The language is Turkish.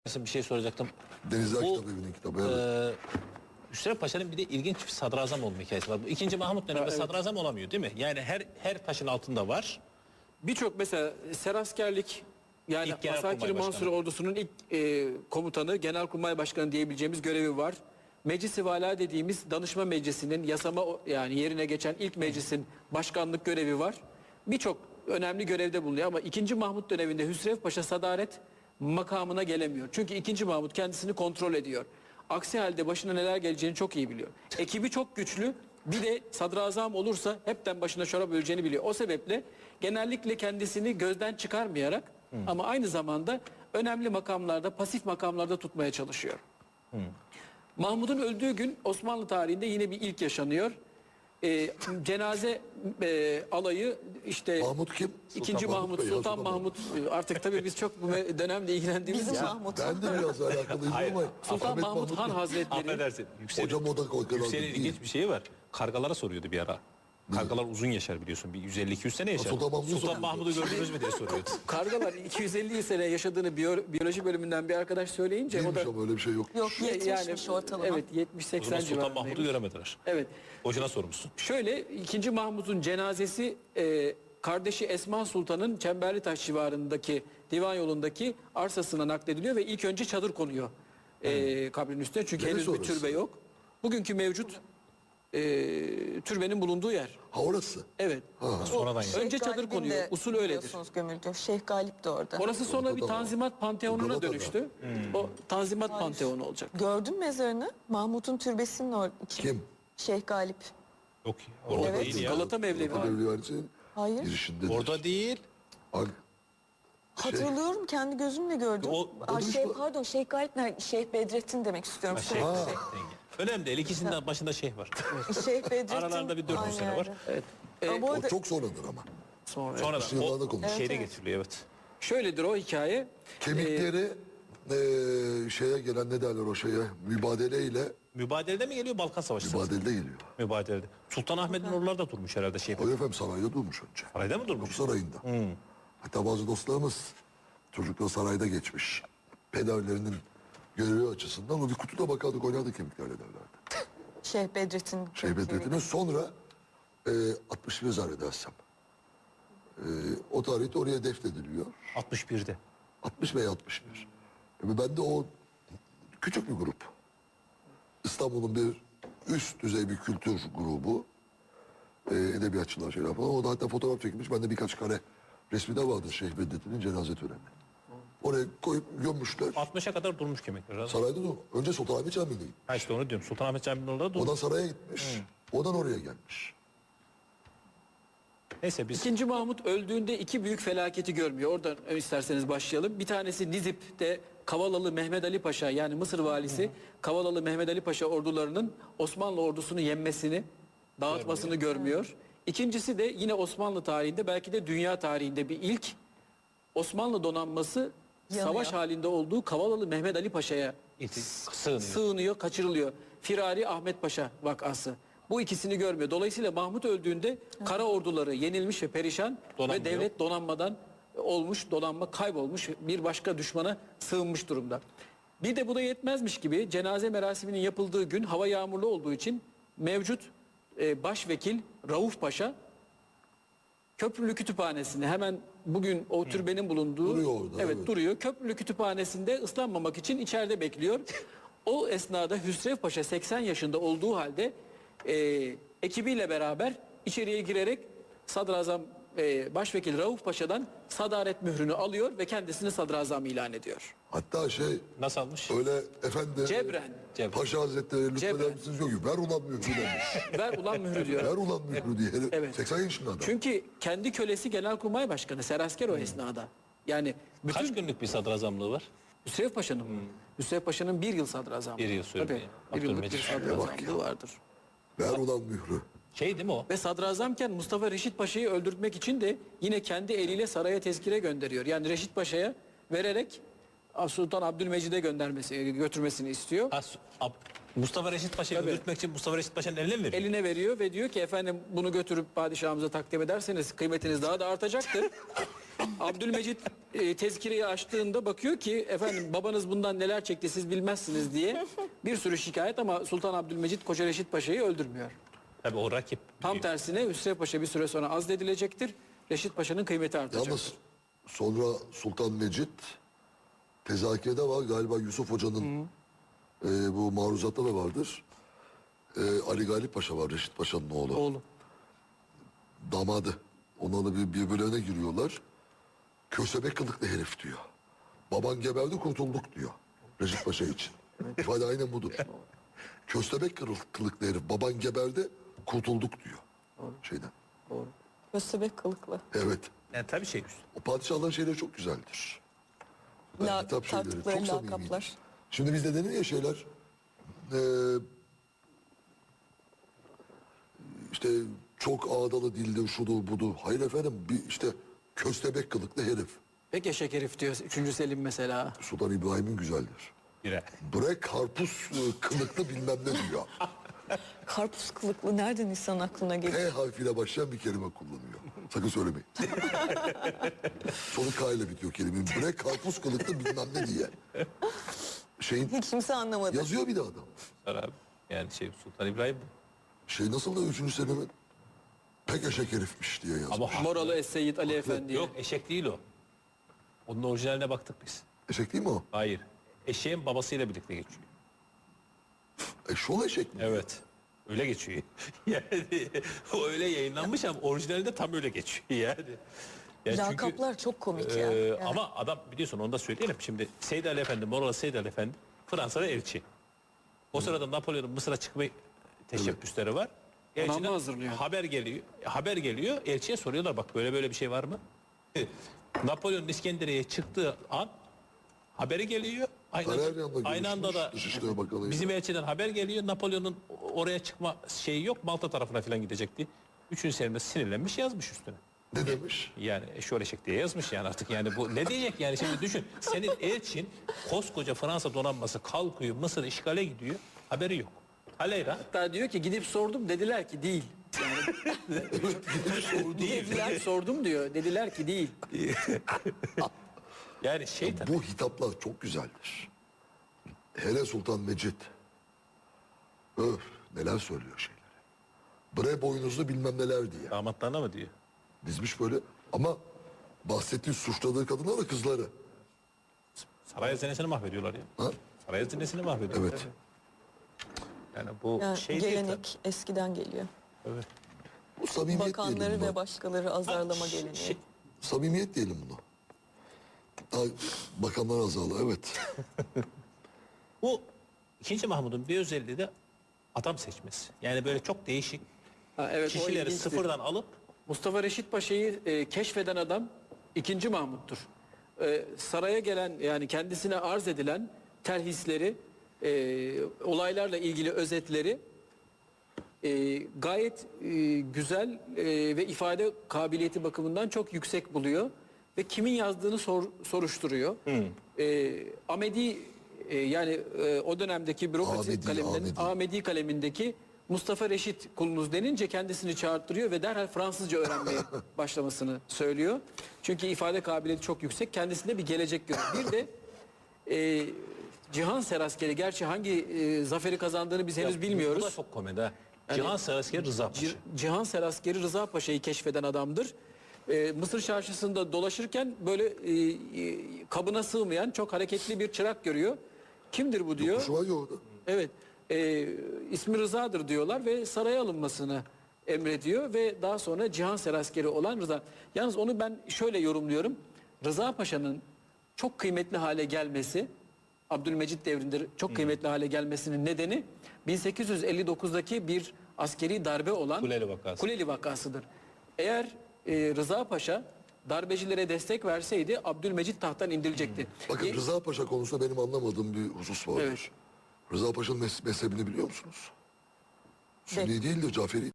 Bir şey soracaktım. Denizler Bu, kitabı, evinin kitabı. Evet. Hüsrev Paşa'nın bir de ilginç bir sadrazam olma hikayesi var. Bu 2. Mahmut döneminde evet. sadrazam olamıyor değil mi? Yani her taşın altında var. Birçok mesela seraskerlik yani İlk Genelkurmay Asakir-i Mansur Başkanı. ordusunun ilk komutanı, Genelkurmay Başkanı diyebileceğimiz görevi var. Meclis-i Vala dediğimiz danışma meclisinin yasama yani yerine geçen ilk meclisin başkanlık görevi var. Birçok önemli görevde bulunuyor ama 2. Mahmut döneminde Hüsrev Paşa sadaret makamına gelemiyor. Çünkü 2. Mahmut kendisini kontrol ediyor. Aksi halde başına neler geleceğini çok iyi biliyor. Ekibi çok güçlü. Bir de sadrazam olursa hepten başına çorap öleceğini biliyor. O sebeple genellikle kendisini gözden çıkarmayarak ama aynı zamanda önemli makamlarda, pasif makamlarda tutmaya çalışıyor. Mahmud'un öldüğü gün Osmanlı tarihinde yine bir ilk yaşanıyor. Cenaze alayı işte Mahmut kim? İkinci Mahmut, Bey, Sultan Mahmut. Artık tabii biz çok bu dönemde ilgilendiğimiz Bizim için. Mahmut. Ben de biraz alakalıyım Hayır. ama Sultan Ahmet Mahmut Han Hazretleri. Affedersin. Hocam o da o kadar Yüksel'in değil. ilginç bir şeyi var. Kargalara soruyordu bir ara. Kargalar uzun yaşar biliyorsun. Bir 150-200 sene yaşar. Sultan Mahmut'u Sultan soruyordu. Mahmut'u gördünüz mü diye soruyordu. Kargalar 250 sene yaşadığını biyoloji bölümünden bir arkadaş söyleyince o da Değilmiş ama öyle bir şey yok. Yok 70'miş ortalama. evet O 70-80 zaman Sultan Mahmut'u civarındaymış. göremediler. Evet. Hocana sormuşsun. Şöyle 2. Mahmut'un cenazesi kardeşi Esma Sultan'ın Çemberlitaş civarındaki divan yolundaki arsasına naklediliyor ve ilk önce çadır konuyor kabrin üstüne. Çünkü Neresi henüz bir orası? türbe yok. Bugünkü mevcut türbenin bulunduğu yer. Ha orası. Evet. Sonradan yani. Önce çadır Galip'in konuyor. de Usul öyledir. biliyorsunuz gömüldü. Şeyh Galip de orada. Orası sonra Orada bir da var. Tanzimat Panteonu'na Galata'da. dönüştü. O Tanzimat Panteonu olacak. Gördün mezarını? Mahmut'un türbesinin içi. Kim? Şeyh Galip. Yok orada Evet. değil ya. Galata Mevlevi var. Mevlevi'nin Hayır. girişindedir. Orada değil. Ag- Hatırlıyorum kendi gözümle gördüm. O- Pardon Şeyh Galip nerede? Şeyh Bedrettin demek istiyorum. Şey, önemli değil. İkisinden başında şeyh var. Şeyh Bedrettin. Aralarında bir 400 aynı sene var. yerde. Evet. Ama bu O arada çok sonradır ama. Sonra. Sonra Şu yıllarda o konuşuyor. şeyde Evet. getiriliyor evet. Şöyledir o hikaye. Kemikleri şeye gelen ne derler o şeye mübadeleyle Mübadelede mi geliyor Balkan Savaşı sırasında? mübadelede geliyor. Mübadelede. Sultanahmet'in oralarda da durmuş herhalde şey. Hayır efendim sarayda durmuş önce. Sarayda mı durmuş? Yok sarayında. Hatta bazı dostlarımız çocuklar sarayda geçmiş. Pederlerinin görevi açısından o bir kutuda bakardık oynardık kemiklerle derlerdi. Şeyh Bedrettin. Şey Bedrettin'in sonra 61 zannedersem. O tarihte oraya defnediliyor. 61'de. 60 veya 61. Ben de o küçük bir grup. İstanbul'un bir üst düzey bir kültür grubu. Edebiyatçılar şeyler falan. O da hatta fotoğraf çekilmiş. Bende birkaç kare resmi de vardı Şeyh Bedrettin'in cenaze töreni. Oraya koyup gömmüşler. 60'a kadar durmuş kemikler. Sarayda da önce Sultanahmet Camii'ndeyim. Ha işte onu diyorum. Sultanahmet Camii'nin orada durmuş. Oradan saraya gitmiş. Oradan oraya gelmiş. Neyse biz İkinci Mahmut öldüğünde iki büyük felaketi görmüyor. Oradan isterseniz başlayalım. Bir tanesi Nizip'te Kavalalı Mehmet Ali Paşa yani Mısır valisi Kavalalı Mehmet Ali Paşa ordularının Osmanlı ordusunu yenmesini, dağıtmasını görmüyor. İkincisi de yine Osmanlı tarihinde belki de dünya tarihinde bir ilk Osmanlı donanması Yanıyor. savaş halinde olduğu Kavalalı Mehmet Ali Paşa'ya sığınıyor. sığınıyor, kaçırılıyor. Firari Ahmet Paşa vakası. Bu ikisini görmüyor. Dolayısıyla Mahmut öldüğünde kara orduları yenilmiş ve perişan Donanmıyor. ve devlet donanmadan olmuş, donanma kaybolmuş, bir başka düşmana sığınmış durumda. Bir de bu da yetmezmiş gibi cenaze merasiminin yapıldığı gün hava yağmurlu olduğu için mevcut başvekil Rauf Paşa Köprülü Kütüphanesi'nde hemen bugün o türbenin bulunduğu Duruyor orada, evet. duruyor. Köprülü Kütüphanesi'nde ıslanmamak için içeride bekliyor. O esnada Hüsrev Paşa 80 yaşında olduğu halde ekibiyle beraber içeriye girerek Sadrazam Başvekil Rauf Paşa'dan sadaret mührünü alıyor ve kendisini sadrazam ilan ediyor. Hatta Nasıl almış? öyle efendi Cebren. Paşa Hazretleri lütfeder Cebren. misiniz yok ki ver ulan mührü demiş. Ver ulan mührü diyor. Ver ulan mührü diye. Evet. 80 yaşında adam. Çünkü kendi kölesi Genelkurmay Başkanı Serasker o esnada. Yani bütün Kaç günlük bir sadrazamlığı var? Hüsrev Paşa'nın mı? Hüsrev Paşa'nın bir yıl sadrazamlığı. Bir yıl sürüyor. Tabii. Bir yıllık bir Abdülmecit. sadrazamlığı vardır. Ver ulan mührü. Şey değil mi o? Ve sadrazamken Mustafa Reşit Paşa'yı öldürtmek için de yine kendi eliyle saraya tezkire gönderiyor. Yani Reşit Paşa'ya vererek Sultan Abdülmecid'e götürmesini istiyor. Mustafa Reşit Paşa'yı Tabii. öldürtmek için Mustafa Reşit Paşa'nın eline mi veriyor? Eline veriyor ve diyor ki efendim bunu götürüp padişahımıza takdim ederseniz kıymetiniz daha da artacaktır. Abdülmecit tezkireyi açtığında bakıyor ki efendim babanız bundan neler çekti siz bilmezsiniz diye bir sürü şikayet, ama Sultan Abdülmecit Koca Reşit Paşa'yı öldürmüyor. Tabii o rakip. Tam tersine Hüsrev Paşa bir süre sonra azledilecektir. Reşit Paşa'nın kıymeti artacak. Yalnız sonra Sultan Mecid tezakirede var galiba, Yusuf Hoca'nın bu maruzatta da vardır. Ali Galip Paşa var, Reşit Paşa'nın oğlu. Oğlum. Damadı. Onlarla birbirlerine giriyorlar. Köstebek kılıklı herif diyor. Baban geberdi kurtulduk diyor. Reşit Paşa için. İfade aynen budur. Köstebek kılıklı herif. Baban geberdi kurtulduk diyor. Şeyden. Köstebek kılıklı. Evet. Yani tabii şey O padişahların şeyleri çok güzeldir. Hitap şeyleri Taktıkları çok samimi. lakaplar. Şimdi bizde denir ya şeyler. İşte çok ağdalı dildir, şudur budur. Hayır efendim, bir işte köstebek kılıklı herif. Pek eşek herif diyor 3. Selim mesela. Sultan İbrahim'in güzeldir. bire. Bre karpuz kılıklı bilmem ne diyor. Karpuz kılıklı nereden insan aklına geliyor? H harfiyle başlayan bir kelime kullanıyor. Sakın söylemeyin. Sonu K ile bitiyor kelimenin. Bre karpuz kılıklı bilmem ne diye. Şeyin Hiç kimse anlamadı. yazıyor bir de adam. Abi. Yani şey Sultan İbrahim. Şey nasıl da 3. Selim'in pek eşek herifmiş diye yazmış. Ama Moralı Es-Seyyid Ali Efendi'ye. yok, eşek değil o. Onun orijinaline baktık biz. Eşek değil mi o? Hayır. Eşeğin babasıyla birlikte geçiyor. Eşol eşek mi? Evet. Öyle geçiyor. Yani o öyle yayınlanmış ama orijinalde tam öyle geçiyor yani. Yani Lakaplar çok komik ya. Yani. Ama adam biliyorsun, onu da söyleyelim. Şimdi Seyyid Ali Efendi, Moralı Seyyid Ali Efendi Fransa'da elçi. O sırada Napolyon'un Mısır'a çıkma teşebbüsleri var. Donanma hazırlıyor. Haber geliyor. Elçiye soruyorlar, bak böyle böyle bir şey var mı? Napolyon'un İskenderiye'ye çıktığı an haberi geliyor. Valerian'la Aynı anda da görüşmüş, Dışişleri Bakanı'yla. bizim elçiden haber geliyor. Napolyon'un oraya çıkma şeyi yok. Malta tarafına falan gidecekti. 3. Selim'de sinirlenmiş, yazmış üstüne. Ne demiş? Yani eşol eşek diye yazmış yani artık, yani bu ne diyecek yani, şimdi düşün. Senin elçin koskoca Fransa donanması kalkıyor, Mısır işgale gidiyor, haberi yok. Taleyra Hatta diyor ki gidip sordum, dediler ki değil. Dediler sordum diyor. Dediler ki değil. yani şey tabii. Bu hitaplar çok güzeldir. Hele Sultan Mecid. Öf, neler söylüyor şeyleri. Bre boynuzlu bilmem neler diye. Damatlarına mı diyor? Dizmiş böyle ama bahsettiği suçladığı kadınlar da kızları. Saray hazinesini mahvediyorlar ya. Ha? Saray hazinesini mahvediyorlar. Evet. Yani bu Yani şey değil gelenek eskiden geliyor. tabii. Evet. Bu samimiyet Bakanları diyelim ve buna. başkaları azarlama Şey- geleneği. Samimiyet diyelim buna. Ay, bakanlar azalı, evet. Bu 2. Mahmud'un bir özelliği de adam seçmesi. Yani böyle çok değişik Ha, evet, o kişileri ilginçtir. sıfırdan alıp Mustafa Reşit Paşa'yı keşfeden adam 2. Mahmut'tur. Saraya gelen, yani kendisine arz edilen terhisleri, olaylarla ilgili özetleri gayet güzel ve ifade kabiliyeti bakımından çok yüksek buluyor ve kimin yazdığını soruşturuyor. Amedi yani o dönemdeki bürokrasi Amedi, kaleminden Amedi kalemindeki Mustafa Reşit kulunuz denince kendisini çağırttırıyor ve derhal Fransızca öğrenmeye başlamasını söylüyor. Çünkü ifade kabiliyeti çok yüksek. Kendisinde bir gelecek görüyor. Bir de Cihan Seraskeri, gerçi hangi zaferi kazandığını biz henüz bilmiyoruz. Bu da çok komedi ha. Cihan Seraskeri Rıza Paşa. Cihan Seraskeri Rıza Paşa'yı keşfeden adamdır. Mısır çarşısında dolaşırken böyle kabına sığmayan çok hareketli bir çırak görüyor. Kimdir bu diyor. Kuşu var ya orada. Evet. İsmi Rıza'dır diyorlar ve saraya alınmasını emrediyor ve daha sonra Cihan Seraskeri olan Rıza. Yalnız onu ben şöyle yorumluyorum. Rıza Paşa'nın çok kıymetli hale gelmesi, Abdülmecit devrinde çok kıymetli hale gelmesinin nedeni 1859'daki bir askeri darbe olan Kuleli vakası. Kuleli vakasıdır. Eğer Rıza Paşa darbecilere destek verseydi Abdülmecit tahttan indirilecekti. Bakın Rıza Paşa konusunda benim anlamadığım bir husus vardır. Evet. Rıza Paşa'nın mezhebini biliyor musunuz? Sünni değildir, Caferi.